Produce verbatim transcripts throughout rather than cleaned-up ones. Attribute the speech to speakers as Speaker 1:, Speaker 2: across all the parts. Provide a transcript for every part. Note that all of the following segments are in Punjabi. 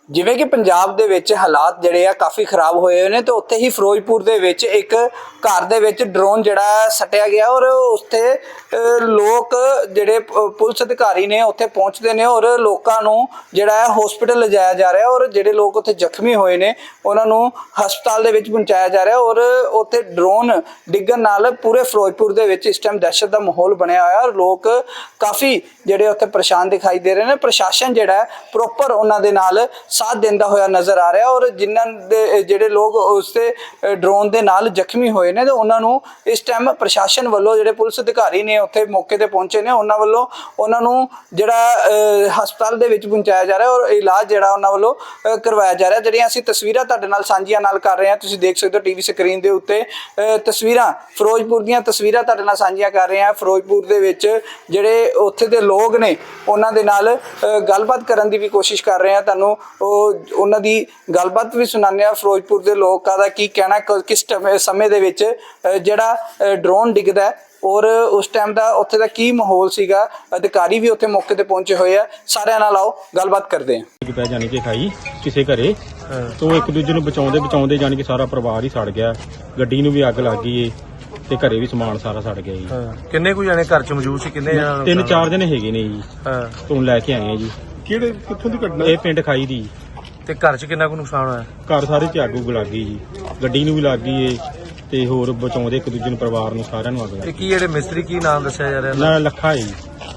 Speaker 1: ਜਿਵੇਂ ਕਿ ਪੰਜਾਬ ਦੇ ਵਿੱਚ ਹਾਲਾਤ ਜਿਹੜੇ ਆ ਕਾਫੀ ਖਰਾਬ ਹੋਏ ਹੋਏ ਨੇ ਤੇ ਉੱਥੇ ਹੀ ਫਿਰੋਜ਼ਪੁਰ ਦੇ ਵਿੱਚ ਇੱਕ ਘਰ ਦੇ ਵਿੱਚ ਡਰੋਨ ਜਿਹੜਾ ਸੱਟਿਆ ਗਿਆ ਔਰ ਉੱਥੇ ਲੋਕ ਜਿਹੜੇ ਪੁਲਿਸ ਅਧਿਕਾਰੀ ਨੇ ਉੱਥੇ ਪਹੁੰਚਦੇ ਨੇ ਔਰ ਲੋਕਾਂ ਨੂੰ ਜਿਹੜਾ ਹੈ ਹਸਪੀਟਲ ਲਿਜਾਇਆ ਜਾ ਰਿਹਾ ਔਰ ਜਿਹੜੇ ਲੋਕ ਉੱਥੇ ਜ਼ਖਮੀ ਹੋਏ ਨੇ ਉਹਨਾਂ ਨੂੰ ਹਸਪਤਾਲ ਦੇ ਵਿੱਚ ਪਹੁੰਚਾਇਆ ਜਾ ਰਿਹਾ ਔਰ ਉੱਥੇ ਡਰੋਨ ਡਿੱਗਣ ਨਾਲ ਪੂਰੇ ਫਿਰੋਜ਼ਪੁਰ ਦੇ ਵਿੱਚ ਇਸ ਟਾਈਮ ਦਹਿਸ਼ਤ ਦਾ ਮਾਹੌਲ ਬਣਿਆ ਹੋਇਆ ਔਰ ਲੋਕ ਕਾਫੀ ਜਿਹੜੇ ਉੱਥੇ ਪਰੇਸ਼ਾਨ ਦਿਖਾਈ ਦੇ ਰਹੇ ਨੇ। ਪ੍ਰਸ਼ਾਸਨ ਜਿਹੜਾ ਪ੍ਰੋਪਰ ਉਹਨਾਂ ਦੇ ਨਾਲ ਸਾਥ ਦਿੰਦਾ ਹੋਇਆ ਨਜ਼ਰ ਆ ਰਿਹਾ ਔਰ ਜਿਨ੍ਹਾਂ ਦੇ ਜਿਹੜੇ ਲੋਕ ਉਸ ਤੇ ਡਰੋਨ ਦੇ ਨਾਲ ਜ਼ਖਮੀ ਹੋਏ ਨੇ ਤੇ ਉਹਨਾਂ ਨੂੰ ਇਸ ਟਾਈਮ ਪ੍ਰਸ਼ਾਸਨ ਵੱਲੋਂ ਜਿਹੜੇ ਪੁਲਿਸ ਅਧਿਕਾਰੀ ਨੇ ਉੱਥੇ ਮੌਕੇ ਤੇ ਪਹੁੰਚੇ ਨੇ ਉਹਨਾਂ ਵੱਲੋਂ ਉਹਨਾਂ ਨੂੰ ਜਿਹੜਾ ਹਸਪਤਾਲ ਦੇ ਵਿੱਚ ਪਹੁੰਚਾਇਆ ਜਾ ਰਿਹਾ ਔਰ ਇਲਾਜ ਜਿਹੜਾ ਉਹਨਾਂ ਵੱਲੋਂ ਕਰਵਾਇਆ ਜਾ ਰਿਹਾ। ਜਿਹੜੀਆਂ ਅਸੀਂ ਤਸਵੀਰਾਂ ਤੁਹਾਡੇ ਨਾਲ ਸਾਂਝੀਆਂ ਨਾਲ ਕਰ ਰਹੇ ਹਾਂ, ਤੁਸੀਂ ਦੇਖ ਸਕਦੇ ਹੋ ਟੀਵੀ ਸਕਰੀਨ ਦੇ ਉੱਤੇ ਤਸਵੀਰਾਂ ਫਿਰੋਜ਼ਪੁਰ ਦੀਆਂ ਤਸਵੀਰਾਂ ਤੁਹਾਡੇ ਨਾਲ ਸਾਂਝੀਆਂ ਕਰ ਰਹੇ ਹਾਂ। ਫਿਰੋਜ਼ਪੁਰ ਦੇ ਵਿੱਚ ਜਿਹੜੇ ਉੱਥੇ ਦੇ ਲੋਕ ਨੇ ਉਹਨਾਂ ਦੇ ਨਾਲ ਗੱਲਬਾਤ ਕਰਨ ਦੀ ਵੀ ਕੋਸ਼ਿਸ਼ ਕਰ ਰਹੇ ਹਾਂ, ਤੁਹਾਨੂੰ ਉਹ ਉਹਨਾਂ ਦੀ ਗੱਲਬਾਤ ਵੀ ਸੁਣਾਉਂਦੇ ਹਾਂ। ਫਿਰੋਜ਼ਪੁਰ ਦੇ ਲੋਕਾਂ ਦਾ ਕੀ ਕਹਿਣਾ ਕਿਸ ਸਮੇਂ ਦੇ ਵਿੱਚ ਜਿਹੜਾ ਡਰੋਨ ਡਿੱਗਦਾ ਔਰ ਉਸ ਟਾਈਮ ਦਾ ਉੱਥੇ ਦਾ ਕੀ ਮਾਹੌਲ ਸੀਗਾ, ਅਧਿਕਾਰੀ ਵੀ ਉੱਥੇ ਮੌਕੇ ਤੇ ਪਹੁੰਚੇ ਹੋਏ ਆ। ਸਾਰਿਆਂ ਨਾਲ ਆਓ ਗੱਲਬਾਤ ਕਰਦੇ ਹਾਂ।
Speaker 2: ਪੈ ਜਾਣੀ ਕਿ ਖਾਈ ਕਿਸੇ ਘਰੇ ਤੋਂ ਇੱਕ ਦੂਜੇ ਨੂੰ ਬਚਾਉਂਦੇ ਬਚਾਉਂਦੇ ਜਾਣੀ ਕਿ ਸਾਰਾ ਪਰਿਵਾਰ ਹੀ ਸੜ ਗਿਆ, ਗੱਡੀ ਨੂੰ ਵੀ ਅੱਗ ਲੱਗ ਗਈ ਏ ਤੇ ਘਰੇ ਵੀ ਸਮਾਨ ਸਾਰਾ ਸੜ ਗਿਆ ਜੀ।
Speaker 3: ਕਿੰਨੇ ਕੁ ਜਾਣੇ ਘਰ ਚ ਮੌਜੂਦ ਸੀ? ਕਿੰਨੇ ਜਾਣੇ?
Speaker 2: ਤਿੰਨ ਚਾਰ ਜਣੇ ਹੈਗੇ ਨੇ ਜੀ।
Speaker 3: ਹਾਂ
Speaker 2: ਤੋਂ ਲੈ ਕੇ ਆਏ ਆ ਜੀ।
Speaker 3: ਕਿਹੜੇ ਕਿੱਥੋਂ ਦੀ ਘਟਨਾ?
Speaker 2: ਇਹ ਪਿੰਡ ਖਾਈ ਦੀ।
Speaker 3: ਤੇ ਘਰ ਚ ਕਿੰਨਾ ਕੁ ਨੁਕਸਾਨ ਹੋਇਆ?
Speaker 2: ਘਰ ਸਾਰੇ ਚ ਅੱਗ ਉੱਗ ਲੱਗ ਗਈ ਜੀ, ਗੱਡੀ ਨੂੰ ਵੀ ਲੱਗ ਗਈ ਏ ਤੇ ਹੋਰ ਬਚਾਉਂਦੇ ਇੱਕ ਦੂਜੇ ਨੂੰ ਪਰਿਵਾਰ ਨੂੰ ਸਾਰਿਆਂ ਨੂੰ ਅੱਗ ਲੱਗ
Speaker 3: ਤੇ
Speaker 2: ਗਈ।
Speaker 3: ਕੀ ਜਿਹੜੇ ਮਿਸਤਰੀ ਕੀ ਨਾਮ ਦੱਸਿਆ ਜਾ ਰਿਹਾ?
Speaker 2: ਨਾ ਲੱਖਾ ਹੈ ਜੀ।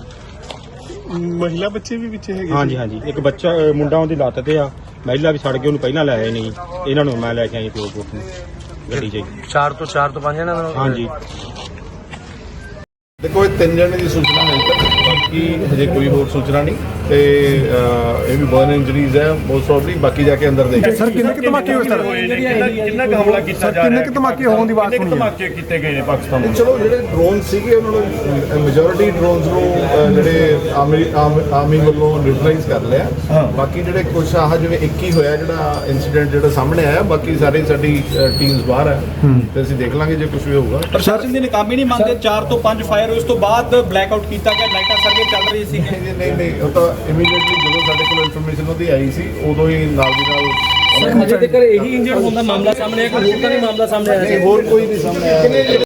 Speaker 3: ਮਹਿਲਾ ਬੱਚੇ ਵੀ ਵਿੱਚ ਹੈਗੇ?
Speaker 2: ਹਾਂਜੀ ਹਾਂਜੀ, ਇੱਕ ਬੱਚਾ ਮੁੰਡਾ ਉਹਦੀ ਲੱਤ ਤੇ ਆ, ਮਹਿਲਾ ਵੀ ਸੜ ਗਈ, ਉਹਨੂੰ ਪਹਿਲਾਂ ਲੈ ਆਏ ਨਹੀਂ, ਇਹਨਾਂ ਨੂੰ ਮੈਂ ਲੈ ਕੇ ਆਈ ਪਿਓ ਪੁੱਤ ਨੂੰ ਗੱਡੀ 'ਚ।
Speaker 3: ਚਾਰ ਤੋਂ ਚਾਰ ਤੋਂ ਪੰਜ ਜਣੇ?
Speaker 2: ਹਾਂਜੀ
Speaker 4: देखो ये तीन जने की सूचना है तक, बाकी हजे कोई होर सूचना नहीं ते ये भी बर्न इंजरीज है मोस्ट प्रॉब्ली, बाकी जाके अंदर देखें।
Speaker 5: सर किन्ने के धमाके होए सर?
Speaker 4: किन्ना का हमला कीता जा रहा है?
Speaker 5: किन्ने के धमाके होने की बात सुनी है?
Speaker 4: धमाके कीते गए ने पाकिस्तान में। चलो ਜਿਹੜੇ ਡਰੋਨ ਸੀਗੇ ਉਹਨਾਂ ਨੂੰ ਮੈਜੋਰਿਟੀ ਡਰੋਨਸ ਨੂੰ ਜਿਹੜੇ ਆਰਮੀ ਆਰਮੀ ਵੱਲੋਂ ਨਿਊਟਰਲਾਈਜ਼ ਕਰ ਲਿਆ। ਬਾਕੀ ਜਿਹੜੇ ਕੁਝ ਆਹ ਜਿਵੇਂ ਇੱਕ ਹੀ ਹੋਇਆ ਜਿਹੜਾ ਇਨਸੀਡੈਂਟ ਜਿਹੜਾ ਸਾਹਮਣੇ ਆਇਆ, ਬਾਕੀ ਸਾਰੇ ਸਾਡੀ ਟੀਮਸ ਬਾਹਰ ਹੈ ਤੇ ਅਸੀਂ ਦੇਖ ਲਾਂਗੇ ਜੇ ਕੁਝ ਵੀ ਹੋਊਗਾ।
Speaker 6: ਪ੍ਰਸ਼ਾਸਨ ਦੇ ਨਕਾਮੀ ਨਹੀਂ ਮੰਨਦੇ? ਚਾਰ ਤੋਂ ਪੰਜ ਫਾਇਰ ਉਸ ਤੋਂ ਬਾਅਦ ਬਲੈਕ ਆਊਟ ਕੀਤਾ ਗਿਆ, ਲਾਈਟਾਂ ਸਰਵੇ ਚੱਲ ਰਹੀ ਸੀ।
Speaker 4: ਨਹੀਂ ਨਹੀਂ, ਉਹ ਤਾਂ ਇਮੀਡੀਏਟਲੀ ਜਦੋਂ ਸਾਡੇ ਕੋਲ ਇਨਫੋਰਮੇਸ਼ਨ ਉਹਦੀ ਆਈ ਸੀ ਉਦੋਂ ਹੀ ਨਾਲ ਦੀ ਨਾਲ
Speaker 6: ਅਜੇ ਤੱਕ ਇਹੀ ਇੰਜਰਡ ਹੋਣ ਦਾ ਮਾਮਲਾ ਸਾਹਮਣੇ ਆਇਆ, ਕੋਈ ਹੋਰ ਤਾਂ ਨਹੀਂ ਮਾਮਲਾ ਸਾਹਮਣੇ ਆਇਆ?
Speaker 4: ਹੋਰ ਕੋਈ ਨਹੀਂ ਸਾਹਮਣੇ ਆਇਆ।